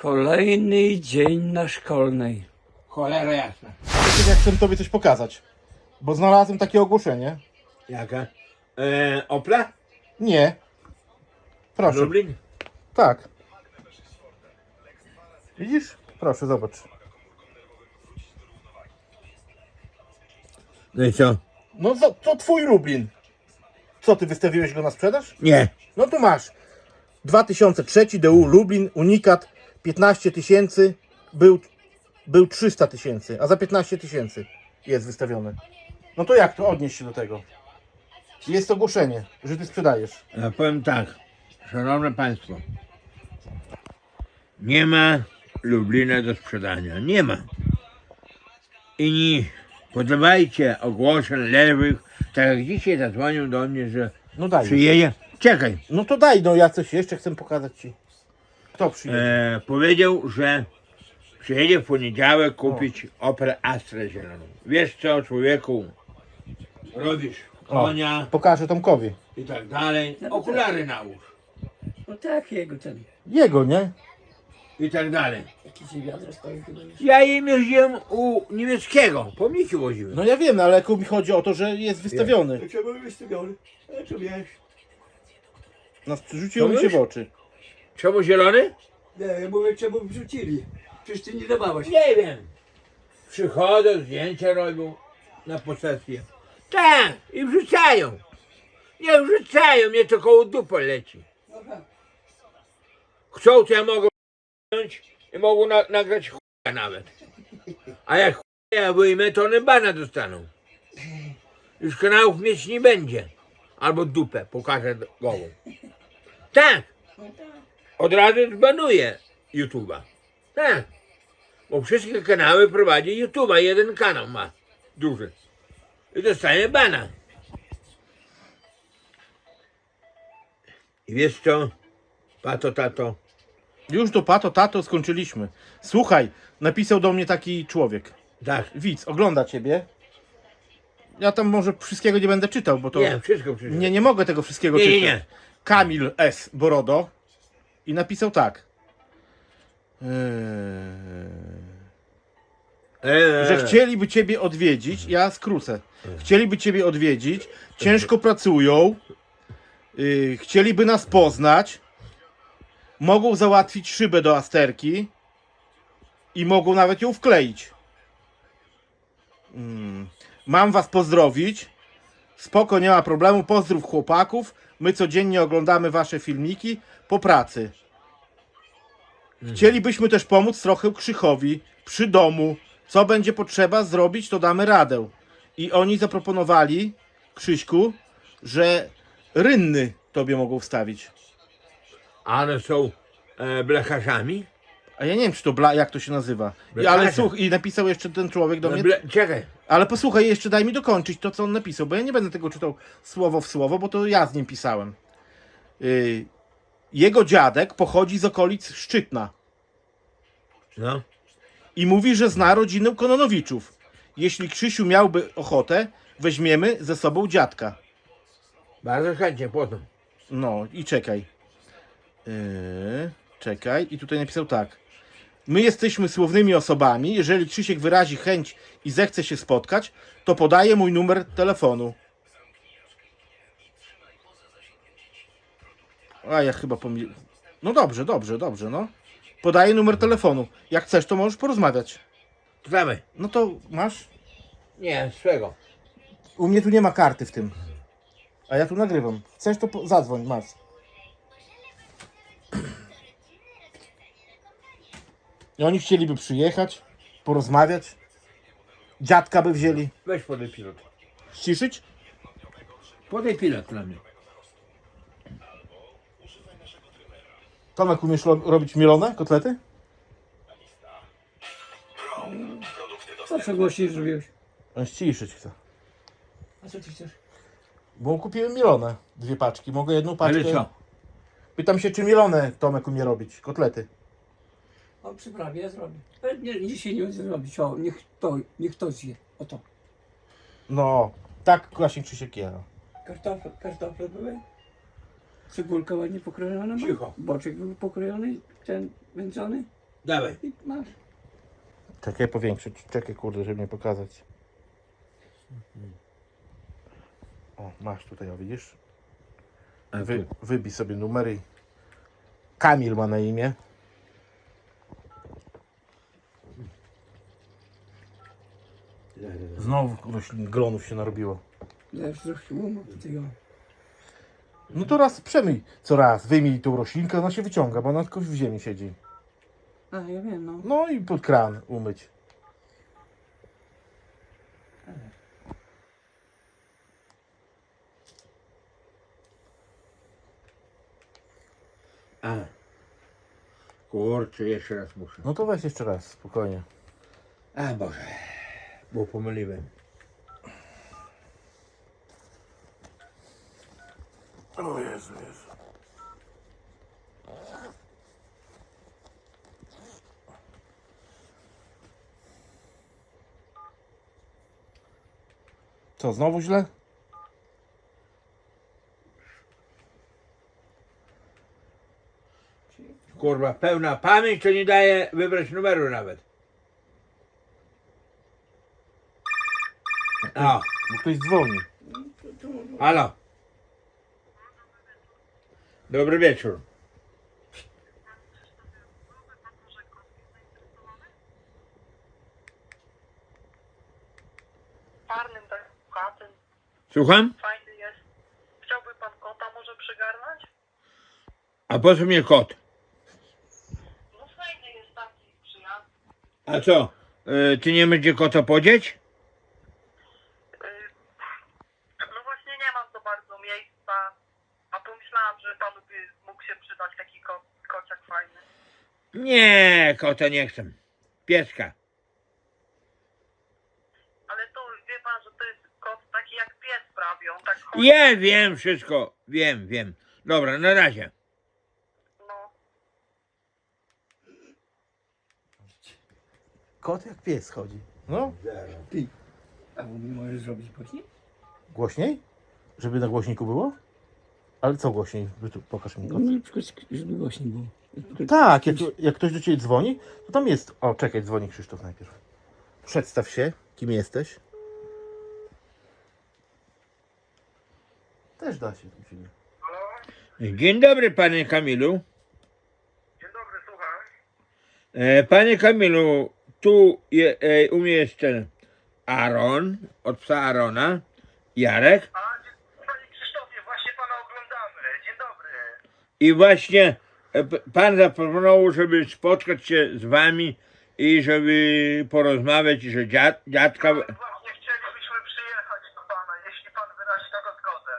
Kolejny dzień na szkolnej. Cholera jasna. Wiecie, jak chcę tobie coś pokazać. Bo znalazłem takie ogłoszenie. Jaka? Opla? Nie. Proszę. Lublin? Tak. Widzisz? Proszę, zobacz. No i co? No to twój Lublin. Co, ty wystawiłeś go na sprzedaż? Nie. No tu masz. 2003 DU Lublin, unikat, 15 000, był 300 000, a za 15 000 jest wystawiony. No to jak to odnieść się do tego? Jest ogłoszenie, że ty sprzedajesz. Ja powiem tak, szanowne państwo. Nie ma Lublina do sprzedania. Nie ma. I nie podawajcie ogłoszeń lewych, tak jak dzisiaj zadzwonił do mnie, że No daj. przyjedzie. Czekaj. No to daj, no ja coś jeszcze chcę pokazać ci. Kto przyjedzie? Powiedział, że przyjedzie w poniedziałek kupić Opel Astrę zieloną. Wiesz co, człowieku? Robisz konia Pokażę Tomkowi. i tak dalej. Okulary nałóż No tak, jego ten. Jego, nie? i tak dalej. Jakiś wiatr stoi chyba już. Ja im jeździłem u niemieckiego, pomniki woziłem. No ja wiem, ale jak mi chodzi o to, że jest wystawiony. Czemu wystawiony? A co wiesz? Rzuciło mi się w oczy. Czemu zielony? Nie, ja mówię, czemu wrzucili? Przecież ty nie dawałeś. Nie wiem. Przychodzą, zdjęcia robią na posesję. Tak, i wrzucają. Nie wrzucają, mnie to koło dupy leci. Chcą, to ja mogę wziąć i mogą nagrać chuja nawet. A jak chuja wyjmę, to one bana dostaną. Już kanałów mieć nie będzie. Albo dupę pokażę gołą. Tak. Od razu zbanuję YouTube'a. Tak. Bo wszystkie kanały prowadzi YouTube'a. Jeden kanał ma. Duży. I dostanie bana. I wiesz co? Pato, tato. Już do pato, tato skończyliśmy. Słuchaj, napisał do mnie taki człowiek. Tak. Widz, ogląda ciebie. Ja tam może wszystkiego nie będę czytał, bo to... Nie, wszystko. Nie mogę tego wszystkiego Nie, czytać. nie. Kamil S. Borodo. I napisał tak. Że chcieliby ciebie odwiedzić, ja skrócę. Chcieliby ciebie odwiedzić, ciężko pracują, chcieliby nas poznać, mogą załatwić szybę do Asterki i mogą nawet ją wkleić. Mam was pozdrowić. Spoko, nie ma problemu. Pozdrów chłopaków. My codziennie oglądamy wasze filmiki po pracy. Chcielibyśmy też pomóc trochę Krzychowi przy domu. Co będzie potrzeba zrobić, to damy radę. I oni zaproponowali, Krzyśku, że rynny tobie mogą wstawić. A one są blecharzami? A ja nie wiem, czy to jak to się nazywa. Blecharze. Ale słuchaj, i napisał jeszcze ten człowiek do mnie. Czekaj. Ale posłuchaj, jeszcze daj mi dokończyć to, co on napisał, bo ja nie będę tego czytał słowo w słowo, bo to ja z nim pisałem. Jego dziadek pochodzi z okolic Szczytna No. i mówi, że zna rodzinę Kononowiczów. Jeśli Krzysiu miałby ochotę, weźmiemy ze sobą dziadka. Bardzo chętnie, potem. No i czekaj. Czekaj. I tutaj napisał tak. My jesteśmy słownymi osobami. Jeżeli Krzysiek wyrazi chęć i zechce się spotkać, to podaję mój numer telefonu. A ja chyba pomyliłem. No dobrze, no. Podaję numer telefonu. Jak chcesz, to możesz porozmawiać. Dawaj. No to masz? Nie, swego. U mnie tu nie ma karty w tym. A ja tu nagrywam. Chcesz, to zadzwoń, masz. I oni chcieliby przyjechać, porozmawiać. Dziadka by wzięli. Weź podaj pilot. Ściszyć? Podaj pilot dla mnie. Tomek, umiesz robić mielone kotlety? Co głośniej zrobiłeś? On ściszyć chce. A co ty chcesz? Bo kupiłem mielone. 2 paczki. Mogę jedną paczkę... Ale co? Pytam się, czy mielone Tomek umie robić. Kotlety. O, przyprawie ja zrobię. Ale nie, dzisiaj nie będę robić. O, niech to zje. Oto. No, tak właśnie Krzysiek je. Kartofle były. Cebulka ładnie pokrojona. Cicho. Boczek był pokrojony, ten wędzony. Dawaj. I masz. Czekaj powiększyć, czekaj kurde, żeby nie pokazać. O, masz tutaj, o widzisz? A Wybij sobie numery. Kamil ma na imię. Znowu roślin, glonów się narobiło. Zaraz trochę łomu tutaj, o. No to raz przemyj co raz, wyjmij tą roślinkę, ona się wyciąga, bo ona tylko w ziemi siedzi. A, ja wiem, no. No i pod kran umyć. A. Kurczę, jeszcze raz muszę. No to weź jeszcze raz, spokojnie. A Boże, bo pomyliłem. O Jezu, Jezu. Co, znowu źle? Kurwa, pełna pamięć, to nie daje wybrać numeru nawet. O, Bo ktoś dzwoni. halo. Dobry wieczór. Parnym tak chatym, Słucham? fajny jest. Chciałby pan kota może przygarnąć? A po co mnie kot? No fajny jest taki przyjazny. A co? Ty nie będzie kota podzieć? No właśnie nie mam za bardzo miejsca, a pomyślałam, że panu by mógł się przydać taki kociak fajny. Nie, kota nie chcę. Pieska. Ale to wie pan, że to jest kot taki jak pies prawie, on tak chodzi. Ja wiem wszystko. Wiem. Dobra, na razie. No, Kot jak pies chodzi. No, Ty. A możesz zrobić głośniej? głośniej? Żeby na głośniku było? Ale co głośniej? Pokaż mi kot. No, na przykład, żeby głośniej było. Tak, jak ktoś do ciebie dzwoni, to tam jest. O, czekaj, dzwoni Krzysztof najpierw. Przedstaw się, kim jesteś. Też da się u ciebie. Dzień dobry, panie Kamilu. dzień dobry, słucham. Panie Kamilu, u mnie jest ten Aaron, od psa Arona, Jarek. Panie Krzysztofie, właśnie pana oglądamy. Dzień dobry. I właśnie pan zaproponował, żeby spotkać się z wami i żeby porozmawiać, że dziadka... Właśnie chcielibyśmy przyjechać do pana, jeśli pan wyrazi tego zgodę.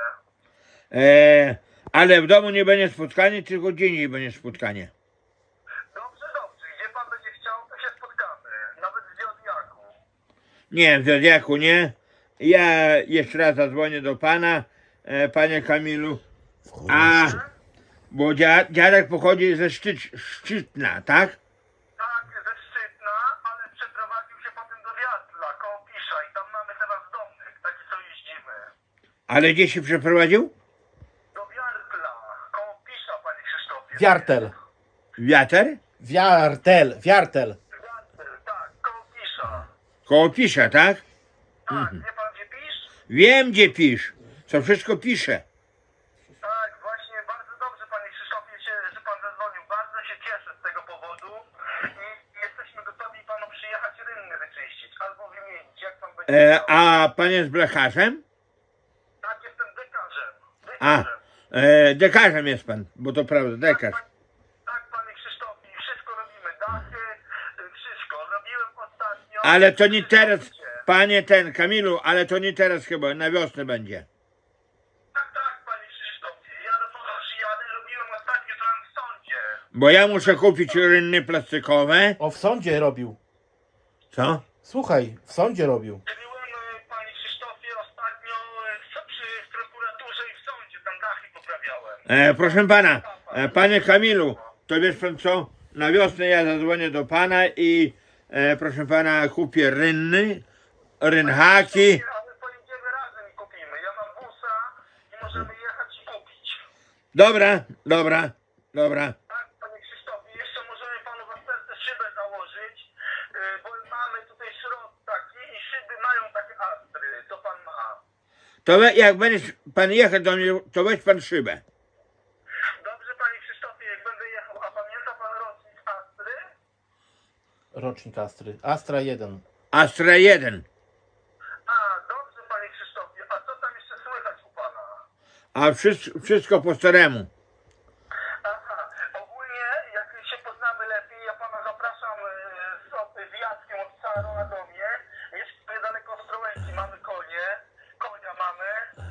Ale w domu nie będzie spotkanie, tylko gdzie indziej będzie spotkanie. Dobrze. Gdzie pan będzie chciał, to się spotkamy. Nawet w Zodiaku. Nie, w Zodiaku nie. Ja jeszcze raz zadzwonię do pana, panie Kamilu. A, bo dziadek pochodzi ze Szczytna, tak? Tak, ze Szczytna, ale przeprowadził się potem do Wiatla, koło Pisza i tam mamy teraz domnych, taki co jeździmy. Ale gdzie się przeprowadził? Do Wiatla, koło Pisza, panie Krzysztofie. Wiartel. Wiater? Wiartel. Wiatl, tak, koło Pisza. Koło Pisza, tak? Tak, wie pan gdzie Pisz? Wiem, gdzie pisz. Co wszystko pisze. Tak, właśnie, bardzo dobrze panie Krzysztofie, że pan zadzwonił. Bardzo się cieszę z tego powodu i jesteśmy gotowi panu przyjechać rynny wyczyścić albo wymienić, jak pan będzie chciał. A pan jest blecharzem? Tak, jestem dekarzem. A, dekarzem jest pan, bo to prawda, dekarz. Tak, panie Krzysztofie, wszystko robimy. Dachy, wszystko. Robiłem ostatnio. Ale to nie teraz, panie Kamilu, ale to nie teraz chyba, na wiosnę będzie. Tak, panie Krzysztofie. Ja do pana przyjadę. Robiłem ostatnio tam w sądzie. Bo ja muszę kupić rynny plastikowe. O, w sądzie robił. Co? Słuchaj, w sądzie robił. Byłem, panie Krzysztofie, ostatnio w prokuraturze i w sądzie. Tam dachy poprawiałem. Proszę pana, panie Kamilu, to wiesz pan co? Na wiosnę ja zadzwonię do pana i proszę pana kupię rynhaki. Ale pojedziemy razem i kupimy. Ja mam busa i możemy jechać i kupić. Dobra. Tak, panie Krzysztofie, jeszcze możemy panu w serce założyć, bo mamy tutaj środek taki i szyby mają takie astry, co pan ma. To jak będziesz pan jechał do mnie, to weź pan szybę. Dobrze, panie Krzysztofie, jak będę jechał, a pamięta pan rocznik astry? Rocznik Astry. Astra 1. Astra 1. A, dobrze, panie Krzysztofie, a co tam jeszcze słychać u pana? A wszystko po staremu. Aha, ogólnie jak się poznamy lepiej, ja pana zapraszam z Jackiem od Caro na domie. Mieszkamy daleko Ostrołęki, mamy konia mamy.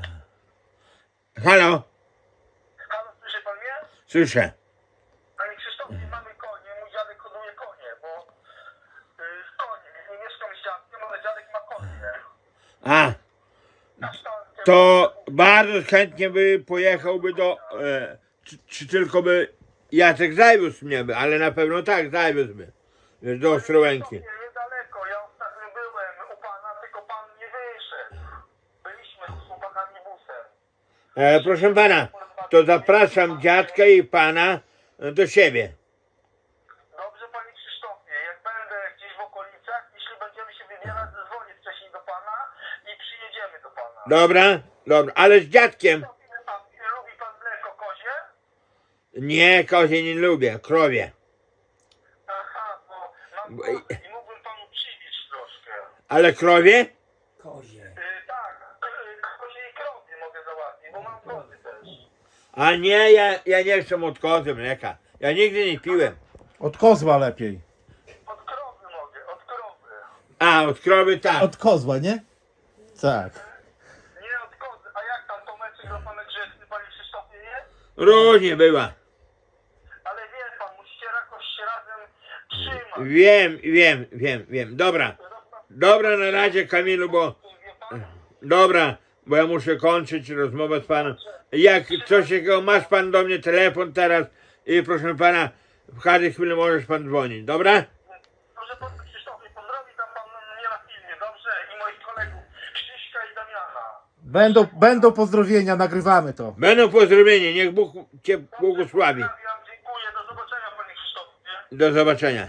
Halo? Halo, słyszy pan mnie? Słyszę. Panie Krzysztofie, mamy konie, mój dziadek hoduje konie, bo konie, nie mieszkam z dziadkiem, ale dziadek ma konie. A, Kasztankę to bardzo chętnie by pojechałby do... czy tylko by Jacek zawiózł mnie by, ale na pewno tak, zawiózłby. Wiesz, do Ostrołęki. niedaleko, ja ostatnio byłem u pana, tylko pan nie wyszedł. Byliśmy z chłopakami busem. Proszę pana, to zapraszam dziadka i pana do siebie. Dobrze, panie Krzysztofie, jak będę gdzieś w okolicach, jeśli będziemy się wybierać, zadzwonię wcześniej do pana i przyjedziemy do pana. Dobra, dobra, ale z dziadkiem. A lubi pan mleko kozie? Nie, kozie nie lubię, krowie. Aha, bo mam Bo- kozy i mógłbym panu przywieźć troszkę. Ale krowie? Kozie. Tak, kozie i krowie mogę załatwić, bo mam kozy też. A nie, ja nie chcę od kozy mleka. Ja nigdy nie piłem. Od kozła lepiej. Od krowy mogę, od krowy. A, od krowy tak. Od kozła, nie? Tak. Nie od kozy, a jak tam Tomeczek dla pana grzeczny, panie Krzysztofie, jest? Różnie była. Ale wie pan, musicie jakoś się razem trzymać. Wiem. Dobra na razie, Kamilu, bo... Wie pan? Dobra, bo ja muszę kończyć rozmowę z panem. Jak coś takiego, masz pan do mnie telefon teraz i proszę pana, w każdej chwili możesz pan dzwonić, dobra? Proszę pana Krzysztofie, pozdrowi tam pan mnie na filmie, dobrze? I moich kolegów Krzyśka i Damiana. Będą pozdrowienia, nagrywamy to. Będą pozdrowienia, niech Bóg cię błogosławi. Pozdrawiam, dziękuję, do zobaczenia panie Krzysztofie. Do zobaczenia.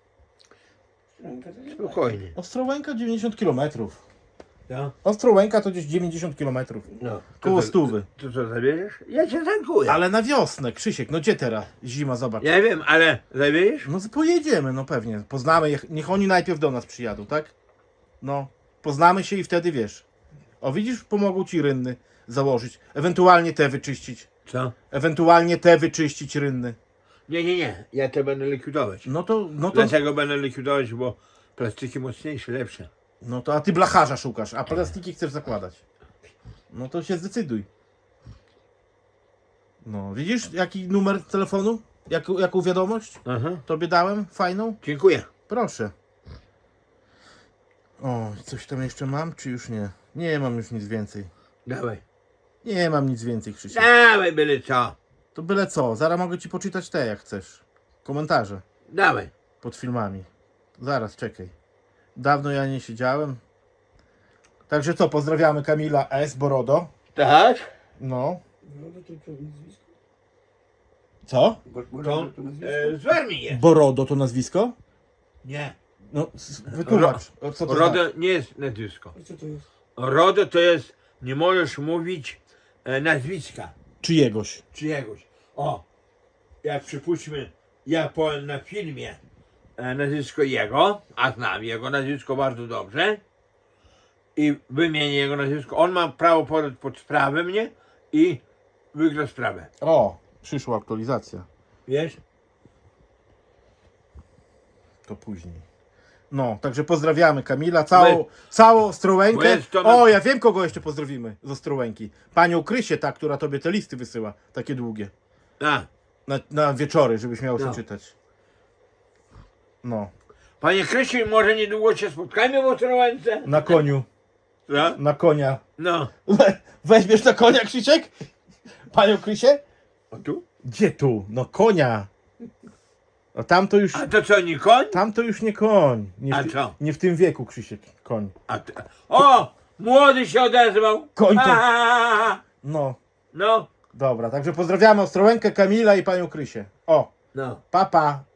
Spokojnie. Ostrołęka 90 km. No, Ostrołęka to gdzieś 90 km. no. Koło stówy. To co, zabierzesz? Ja cię tankuję. Ale na wiosnę, Krzysiek, no gdzie teraz? Zima, zobacz. Ja wiem, ale zabierzesz? No pojedziemy, no pewnie. Poznamy, niech oni najpierw do nas przyjadą, tak? No, poznamy się i wtedy wiesz. O, widzisz, pomogą ci rynny założyć. Ewentualnie te wyczyścić. Co? Ewentualnie te wyczyścić rynny. Nie. Ja te będę likwidować. No to, Dlaczego będę likwidować? Bo plastiki mocniejsze, lepsze. a ty blacharza szukasz, a plastiki chcesz zakładać. No to się zdecyduj. No, widzisz, jaki numer telefonu? Jaką wiadomość Aha. tobie dałem? Fajną? Dziękuję. Proszę. O, coś tam jeszcze mam, czy już nie? Nie mam już nic więcej. Dawaj. Nie mam nic więcej, Krzysiek. Dawaj, byle co. To byle co, zaraz mogę ci poczytać te, jak chcesz. Komentarze Dawaj. pod filmami. Zaraz, czekaj. Dawno ja nie siedziałem. Także co, pozdrawiamy Kamila S. Borodo. Tak? No. Borodo to nazwisko? Co? Borodo to nazwisko? Z Warmii jest. Borodo to nazwisko? Nie. No, wytłumacz. O, co to RODO znaczy? nie jest nazwisko. A co to jest? RODO to jest, nie możesz mówić nazwiska Czyjegoś. czyjegoś. O, jak przypuśćmy, ja powiem na filmie nazwisko jego, a znam jego nazwisko bardzo dobrze i wymienię jego nazwisko, on ma prawo podać pod sprawę mnie i wygra sprawę. O, przyszła aktualizacja. Wiesz? To później. No, także pozdrawiamy Kamila, Bo całą bo Ostrołękę. jest to na- O, ja wiem, kogo jeszcze pozdrowimy z Ostrołęki. Panią Krysię, ta, która tobie te listy wysyła, takie długie. A, Na wieczory, żebyś miał No. co czytać. No, panie Krysiu, może niedługo się spotkamy w Ostrołęce? na koniu, No, na konia. no. Weźmiesz na konia, Krzysiek? Panią Krysię? O tu? Gdzie tu? No konia. No tam to już, A to co, nie koń? tam to już nie koń. A co? Nie w tym wieku, Krzysiek, koń. O, młody się odezwał. Koń to- A, No, no, dobra, także pozdrawiamy Ostrołękę, Kamila i panią Krysię. O, no. papa.